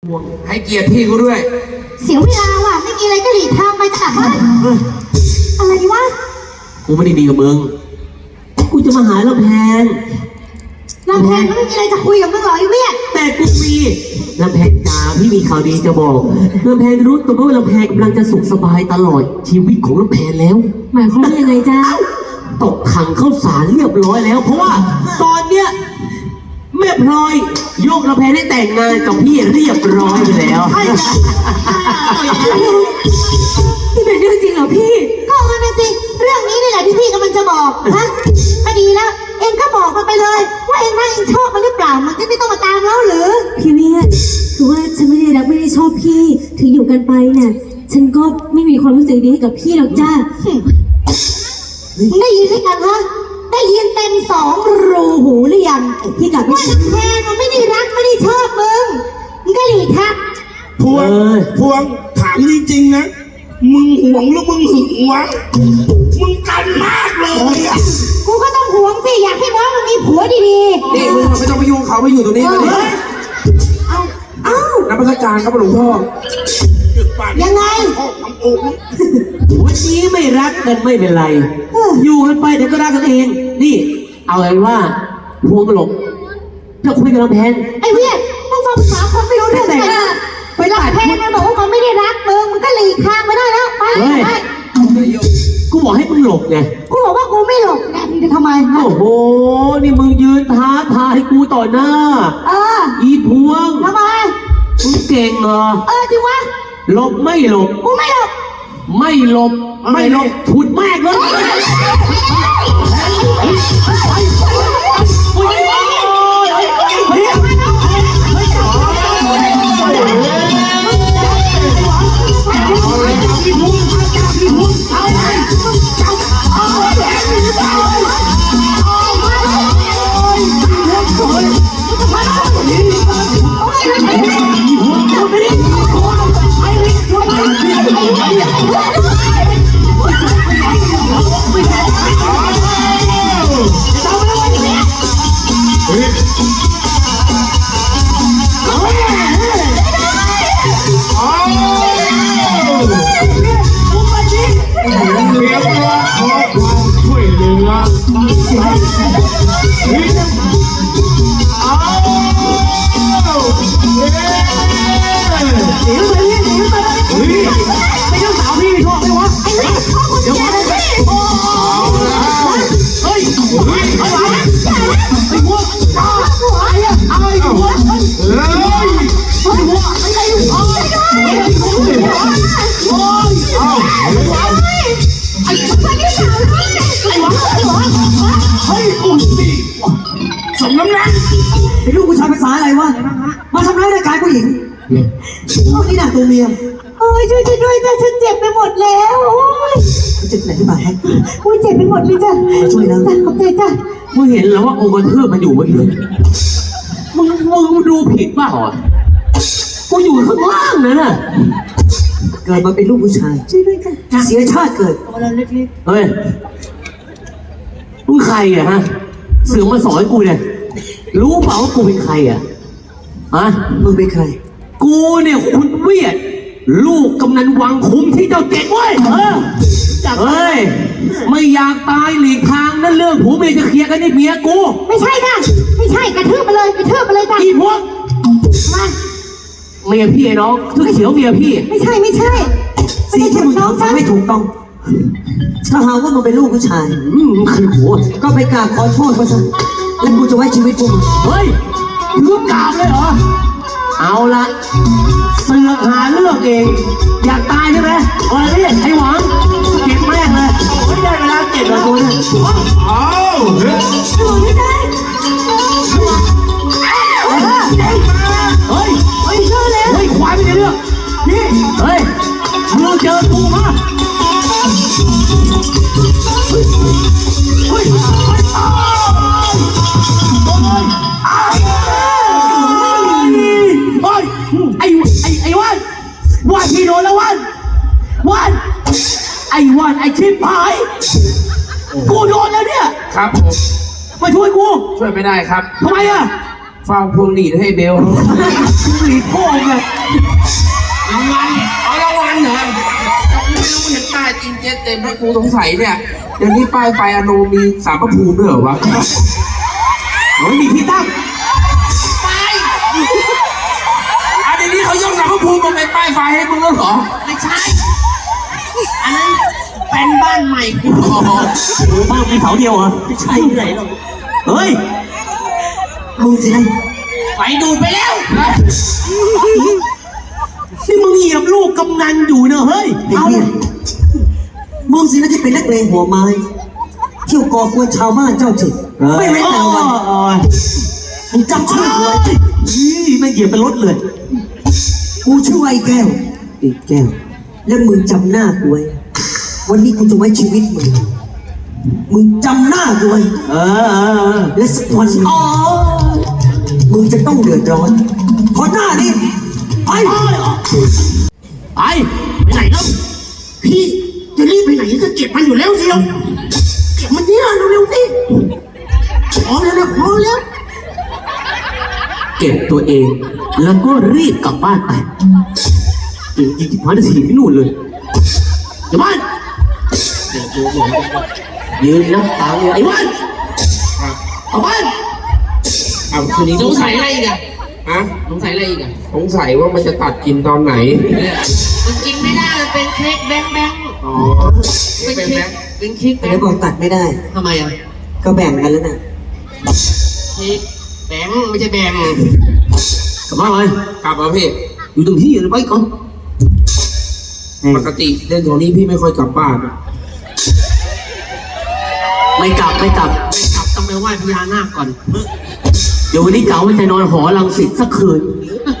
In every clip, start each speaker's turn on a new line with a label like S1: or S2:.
S1: ให้เกียรติพี่กูด้วย
S2: เสียเวลาว่ะไม่มีอะไรก็หลีกทางไปจ้ะอะไรวะ
S3: กูไม่ได้ดีกับมึงกูจะมาหาลำแพน
S2: ไม่มีอะไรจะคุยกับมึงหรอไอ้เวียด
S3: แต่กูมีลำแพนจ๋าพี่มีข่าวดีจะบอกลำแพนรู้ตัวว่าลำแพนกำลังจะสุขสบายตลอดชีวิตของลำแพนแล้ว
S2: หมายความว่ายังไงจ๊ะ
S3: ตกถังเข้าสารเรียบร้อยแล้วเพราะว่าตอนเนี้ยแม่พลอยยกลำแพนได้แต่งงานกับพี่เรียบร้อยไปแล้ว
S2: นี่เป็นเรื่องจริงเหรอพี่ก็เอามาสิเรื่องนี้นี่แหละที่พี่กำลังจะบอกฮะไม่ดีแล้วเองก็บอกมันไปเลยว่าเองน่าเองชอบมันหรือเปล่ามันจะไม่ต้องมาตามแล้วหรือ
S4: พี่เวียดคือว่าฉันไม่ได้รักไม่ได้ชอบพี่ถึงอยู่กันไปเนี่ยฉันก็ไม่มีความรู้สึกดีให้กับพี่หรอกจ้า
S2: ได้ยินหรือยังฮะได้ยินเต็ม2 รูหูหรือยังพี่กลับว่าน้ำแพนมันไม่ได้รักไม่ได้ชอบมึงก็หลีกทัก
S1: พวงถามจริงๆนะมึงห่วงหรือมึงหึงวะมึงกันมากเลยอ่ะ
S2: กูก็ต้องห่วงสิอยากให้น้องมันมีผัวดี
S1: ๆนี่มึงไม่ต้องไปยุ่งเขาไปอยู่ตรงนี้เลย
S2: เอ้า
S1: นักพัฒการครับหลวงพ่อ
S2: ยังไง
S3: วันนี้ไม่รักกันไม่เป็นไรอยู่กันไปเดี๋ยวก็รักกันเองนี่เอาไงว่าพวงหลบจะคุยกับลำแพน
S2: ไอ้เวียดมึงฟังภาษาคนไม่รู้เรื่องไงไปรักแพนมันบอกว่ามันไม่ได้รักมึงก็หลีกทางไปได้แล้วไป
S3: กูบอกให้มึงหลบไง
S2: กูบอกว่ากูไม่หลบแน่มึงจะทำไม
S3: โอ้โหนี่มึงยืนท้าทายกูต่อหน้าอีพวง
S2: ทำไม
S3: มึงเก่งเหรอ
S2: จริงวะ
S3: หลบไม่หลบ
S2: กูไม่หลบ
S3: ไม่หลบถุดแม่เลย
S1: สมน้ำหนัก
S5: ไอ้ลูกผู้ชายภาษาอะไรวะมาทำร้ายร่างกายผู้หญิงนี่หนักตัวเมีย
S2: ช่วยด้วยจ้ะฉันเจ็บไปหมดแล้ว
S5: เจ็บไหนที่บาดแฮะ
S2: เจ็บไปหมดเลยจ้ะ
S5: ช่วยแล้ว
S2: จ้ะขอบใจจ้ะ
S3: มึงเห็นแล้วว่าองค์กรเทพมันอยู่เมื่อกี้มึงดูผิดเปล่ากูอยู่ข้างล่างนั่นน่ะ
S5: เกิดมาเป็นลูกผู้ชาย
S2: ช่วยด้วยจ้ะ
S5: เสียชาติเกิด
S2: เราเล็ก
S3: ๆเฮ้ยมึงใครอะฮะเสือมาสอนกูเนี่ยรู้เปล่าว่ากูเป็นใครอะ
S5: มึงเป็นใคร
S3: กูเนี่ยคุณเวียดลูกกำนันวังคุมที่เจ้าเจ็ดเว้ยเฮ้ยไม่อยากตายหลีกทางนั่นเรื่องผัวเมียจะเคลียร์กันนี่เมียกู
S2: ไม่ใช่จ้ะไม่ใช่กระทืบไปเลยจ้ะ
S3: อีพวกเมียพี่น้องทุกเสียวเมียพี่
S2: ไม่ใช่
S5: สิ่งที่มึงทำไม่ถูกต้องถ้าหาว่ามึงเป็นลูกผู้ชาย
S3: คือหัว
S5: ก็ไปกราบขอโทษเขาซะแล้วกูจะไว้ชีวิตกู
S3: เฮ้ยมึงกราบเลยเหรอเอาละเสือกหาเรื่องเองอยากตายใช่ไหมนี่ไอ้หวังเก็บแม่งเลยไม่ได้เวลาเก็บแล้วตัวเนี่ย
S2: ไม่ได้
S3: เฮ้ย
S2: เจอแล้ว
S3: ควายไม่ได้เรื่องนี่เฮ้ยมึงเจอกูมาวันที่โดนแล้ววันไอ้ชิบหายกูโดนแล้วเนี่ย
S1: ครับ
S3: มาช่วยกู
S1: ช่วยไม่ได้ครับ
S3: ทำไมอ่ะ
S6: ฟังพวงหลีดให้เบล
S3: หลีพ่อไง
S6: รางวัลเอารางวัลเหรอไม่รู้เห็นป้ายจริงเจ๊เต็มแล้วกูสงสัยเนี่ยเดี๋ยวนี้ป้ายไฟอโนมีสารพระภูมิด้วยเหรอวะ
S3: ไม่มีที่ตั้ง
S6: เดี๋ยวนี้เขายกสารพระภูมิมาเป็นป้ายไฟให้มึงแล้วเหรอไม่ใช่อันนั้นเป็นบ้านใหม่กู
S3: บ้านมีเสาเดียวเหรอไม่ใช่ที่ไหนหรอกเฮ้ย
S5: มึงสินะ
S6: ไฟดูดไปแล้ว
S3: นี่มึงเหยียบลูกกำนันอยู่เนอะเฮ้ย
S5: ไอ้เนี่ยมึงสินะที่เป็นนักเลงหัวไม้เที่ยวก่อกวนชาวบ้านเจ้าถิ่นไม่เว้นแต่วันมึงจำชื่อกูไว้
S3: นี่ไม่เหยียบเป็นรถเลย
S5: กูชื่อไอ้แก้วไอ้แก้ว แล้วมึงจำหน้ากูไว้วันนี้กูจะไว้ชีวิตมึงจำหน้ากูไว้
S3: เออ
S5: และสักวันหนึ่งมึงจะต้องเดือดร้อนเพราะหน้านี้ไป
S3: ไปไหนแล้ว
S1: พี่จะรีบไปไหนก็เก็บมันอยู่แล้วเชียวเก็บมันเนี่ยเร็วๆสิพอแล้วนะพอแล้ว
S3: เก็บตัวเอง แล้วก็รีบกลับบ้านไปจริงๆพันธีที่นู่นเลยอย่าบ้านยืนนะตาเลยไอ้บ้านเอาบ้าน
S6: เอาคืนนี้สงสัยอะไรอีกอะฮะสงสัยอะไรอีกอะสงสัยว่ามันจะตัดกินตอนไหน
S7: มันกินไม่ได้ มันเป็นเค้กแบงค์แบงค์
S6: อ๋อ
S7: เป็นเค้กเป็นเค้กแบ
S5: แล้
S7: ง
S5: ว
S7: ค์
S5: บอกตัดไม่ได้
S7: ทำไมอ่ะ
S5: ก็แบ่งกันแล้วนะ
S7: เค้กแบงค์ไม่ใช่แบงค์
S3: กลับบ้านไป
S6: กลับมาพี่
S3: อยู่ตรงที่อยู่ไปก่อน
S6: ปกติเล่นโทนี้พี่ไม่ค่อยกลับบ้านอะ
S3: ไม่กลับ
S7: ไม่กลับต้องไปไหว้พญานาคก่อน
S3: เดี๋ยววันนี้เก๋ามันจะนอนหอรังสิตสักคืน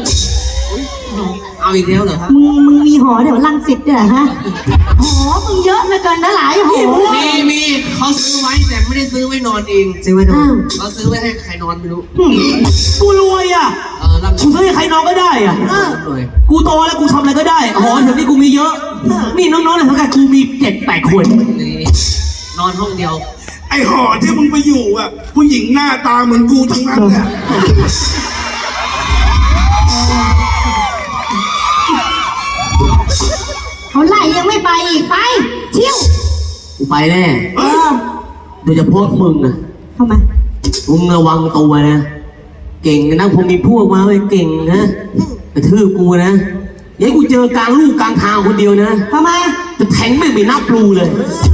S7: เอาอีกแล้วเหรอครับ
S2: มึงมีหอเดี๋ยวรังสิตด้วยเหรอฮะหอมึงเยอะเหลือเกินนะหลายหอ
S7: มีเขาซื้อไว้แต่ไม่ได้ซื้อไว้นอนเอง
S5: ซื้อไว้ดู
S2: อ้าว
S7: เขาซื้อไว้ให้ใครนอนไม่รู้
S3: กูรวยอ่ะ
S7: รับ
S3: กูซื้อให้ใครนอนก็ได้อ่ะ
S7: หน่อย
S3: กูโตแล้วกูทำอะไรก็ได้หอแถวนี้กูมีเยอะ นี่น้องๆในสังกัดกูมี7-8 คน
S7: นี่นอนห้องเดียว
S1: ไอ้หอที่มึงไปอยู่อ่ะ ผู้หญิงหน้าตาเหมือนกูทั้งนั้นแหละ
S2: เขาไล่ยังไม่ไปอีกไปเที่ยว
S3: กูไปแน่
S2: เออ
S3: โดยเฉพาะมึงนะ
S2: ทำไม
S3: มึงระวังตัวนะ เก่งนะผมมีพวกมาไว้เก่งนะกระทืบกูนะอย่าให้กูเจอกลางลูกกลางทางคนเดียวนะ
S2: ทำไม
S3: จะแทงไม่นับรูเลย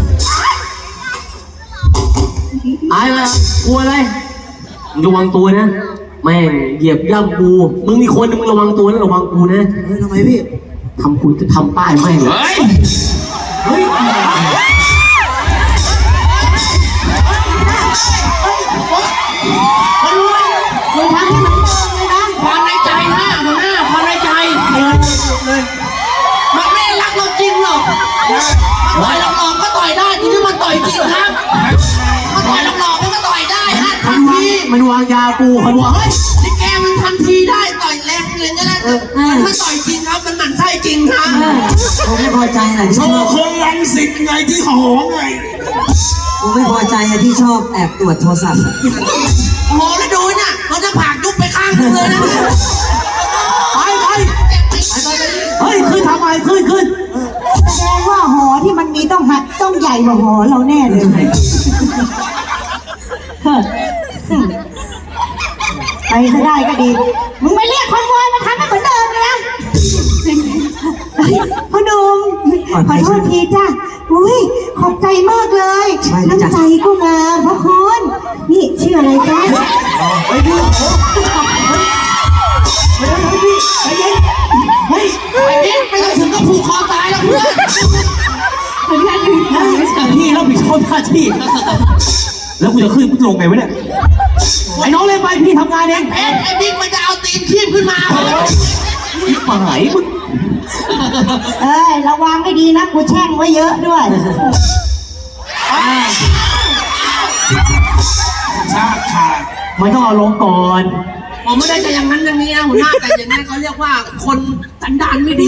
S3: อายละกลัวอะไรมึงระวังตัวนะ แม่งเหยียบย่ำกูมึงมีคนนึงมึงระวังตัวนะระวังกูนะ
S5: ทำไมพี่
S3: ทำคุณจะทำป้ายแม่งเลย
S6: เฮ้ย
S3: เฮ้ย
S2: คุณทำให้มันเบิ่งเลยนะ
S7: ความในใจนะหัวหน้าความในใจมันไม่รักเราจริงหรอกต่อยหลอกๆก็ต่อยได้ทีนี้มันต่อยจริงครับมันต่อยหลอกๆมันก็ต่อยได้ฮะทันที
S3: มันวางยากูคนว่าเฮ้ย
S7: นี่แกมันทันทีได้ต่อยแรงเลยก็ได้มันไม่ต่อยจริงครับมันหมั่นไส้จริงครับ
S5: ผมไม่พอใจอะไร
S1: โช
S5: ที่ชอ
S1: ว์
S5: บ
S1: คนรังสิตไงที่หอไง
S5: ผมไม่พอใจอะที่ชอบแอบตรวจโทรศัพท์
S7: โอ้โหแล้วดูน่ะเราจะผากยุบไปข้างนึงเลยนะ
S3: ไปเฮ้ยขึ้นทำไมขึ้น
S2: แสดงว่าหอที่มันมีต้องใหญ่กว่าหอเราแน่เลยเฮ้อไปซะได้ก็ดี มึงไปเรียกคอนวอยมาทำให้เหมือนเดิมเลยนะเฮ้ยพ่อหนุ่มขอโทษทีจ้ะอุ้ยขอบใจมากเลยน้ำใจก็งามพระคุณนี่ชื่ออะไรจ๊ะ
S7: เฮ้ยไอ้นี่ไม่ต้องถึงก็ผูกคอตายแล้วเพื่อน
S3: พี่รับผิดชอบหน้าที่ แล้วกูจะขึ้นกูลงไงวะเนี่ย ไอ้น้องเล่นไปพี่ทำงานเอง
S7: ไอ้บิ๊กมันจะเอาตีนคีบขึ้นมา
S3: หมายมึง
S2: เอ้ยระวังให้ดีนะกูแช่งไว้เยอะด้วย
S1: ชาติขาด
S3: ไม่ต้องเอาลงก่อน
S7: ผมไม่ได้จะอย่างนั้นอย่างนี้นะหัวหน้าแต่อย่างนี้เขาเรียกว่าคนสันดานไม่ดี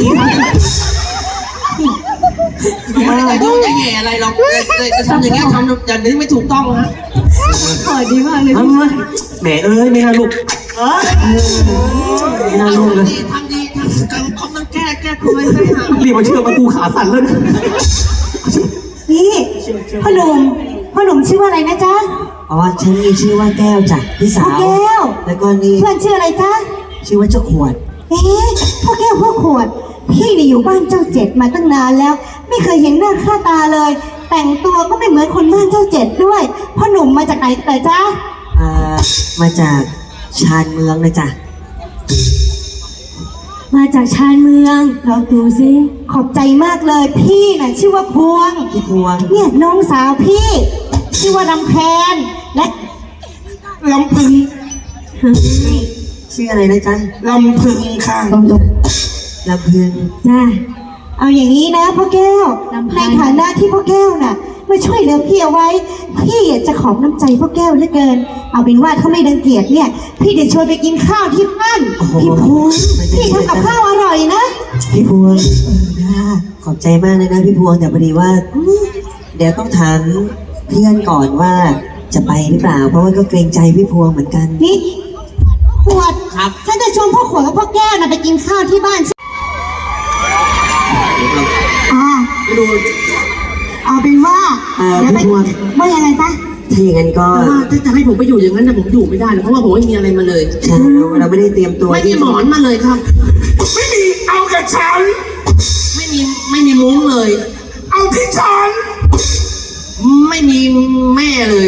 S7: ไม่ได้จะยุ่งจะแย่อะไรหรอกจะทำอย่างนี้ทำอย่างนี้ไม่ถูกต้องนะ
S2: ขอดีมากเลย
S3: ทำไมแหมเอ้ยไม่น่าลูกไม่น่ารู้เลย
S7: ทำดีเขามันแก้คุยไปหา
S3: รีบมาเชื่อประตูขาสั่นเลย
S2: นี่พ่อหนุ่มชื่อว่าอะไรนะจ๊ะ
S5: อ๋อฉันมีชื่อว่าแก้วจ้ะพี่สา
S2: พ่อ
S5: ว
S2: แก้ว
S5: แล้วก็นี่
S2: เพื่อนชื่ออะไรจ๊ะ
S5: ชื่อว่าเจ้าขวด
S2: เอ๊ะพ่อแก้วพ่อขวด พี่เนี่ยอยู่บ้านเจ้าเจ็ดมาตั้งนานแล้ว ไม่เคยเห็นหน้าค่าตาเลย แต่งตัวก็ไม่เหมือนคนบ้านเจ้าเจ็ดด้วยพ่อหนุ่มมาจากไหนแต่จ๊ะ
S5: มาจากชานเมืองนะจ๊ะ
S4: มาจากชานเมืองเราดูสิ
S2: ขอบใจมากเลย พี่น่ะชื่อว่าพวง
S5: พี่พวง
S2: เนี่ยน้องสาวพี่ ชื่อว่าลำแพนและ
S1: ลำพึง
S5: ชื่ออะไรนะจ๊ะ
S1: ลำพึงค่ะ
S5: ลำพึง
S4: จ้า
S2: เอาอย่างนี้นะพ่อแก้ว
S4: ลำไพ
S2: ในฐานะที่พ่อแก้วน่ะมาช่วยเหลือพี่เอาไว้ พี่อยากจะขอบน้ำใจพ่อแก้วเหลือเกิน เอาเป็นว่าถ้าไม่ดังเกียจเนี่ย พี่จะชวนไปกินข้าวที่บ้าน
S5: โอ้โห
S2: พี่พวงพี่ทำกับข้าวอร่อยนะ
S5: พี่พวงขอบใจมากเลยนะพี่พวงแต่พอดีว่า เดี๋ยวต้องถามเพื่อนก่อนว่าจะไปหรือเปล่า เพราะว่าก็เกรงใจพี่พวงเหมือนกัน
S2: นี่ขวดครับฉันจะชวนพ่อขวดกับพ่อแก้วน่ะไปกินข้าวที่บ้านเอาเป็นว่า
S5: พี่
S2: เดี๋ยวไป
S5: พวง
S2: ว่ายังไงจ๊ะ
S5: ถ้าอย่างนั้นก็
S7: แต่ว่าถ้าจะให้ผมไปอยู่อย่างนั้นนะผมอยู่ไม่ได้นะเพราะว่าผมไม่มีอะไรมาเลย
S5: ใช่เราไม่ได้เตรียมตัว
S7: ไม่มีหมอนมาเลยครับ
S1: ไม่มีเอากับฉัน
S7: ไม่มีมุ้งเลย
S1: เอาที่ฉัน
S7: ไม่มีแม่เลย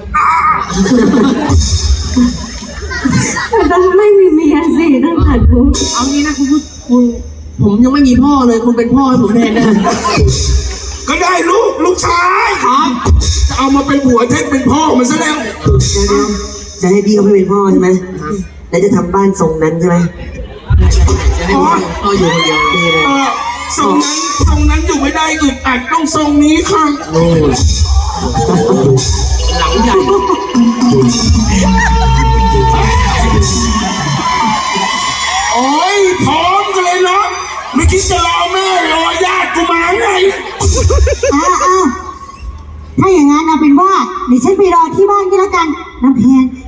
S4: ต้องไม่มีเมียสิต้องตัดมุก
S7: เอางี้นะคุณผมยังไม่มีพ่อเลยคุณเป็นพ่อให้ผมแทนได้
S1: ก็ได้ลูกชายครับจะเอามาเป็นหัวเท็จเป็นพ่อมันซะแล้ว
S5: จะให้พี่เขาไปเป็นพ่อใช่ไหมแล้วจะทำบ้านทรงนั้นใช่ไหม
S7: จะให้ผมพ่ออยู่คนเดียว
S5: ดีเลย
S1: ทรงนั้นอยู่ไม่ได้อึดอัดต้องทรงนี้ค่ะ
S5: โอ้ย
S7: หลังใหญ่
S1: โอ้ยพร้อมกันเลยเนาะไม่คิดจะรอแม่รอญาติกูมาไง
S2: อ้าวถ้าอย่างนั้นเอาเป็นว่าเดี๋ยวฉันไปรอที่บ้านก็แล้วกันน้ำแพน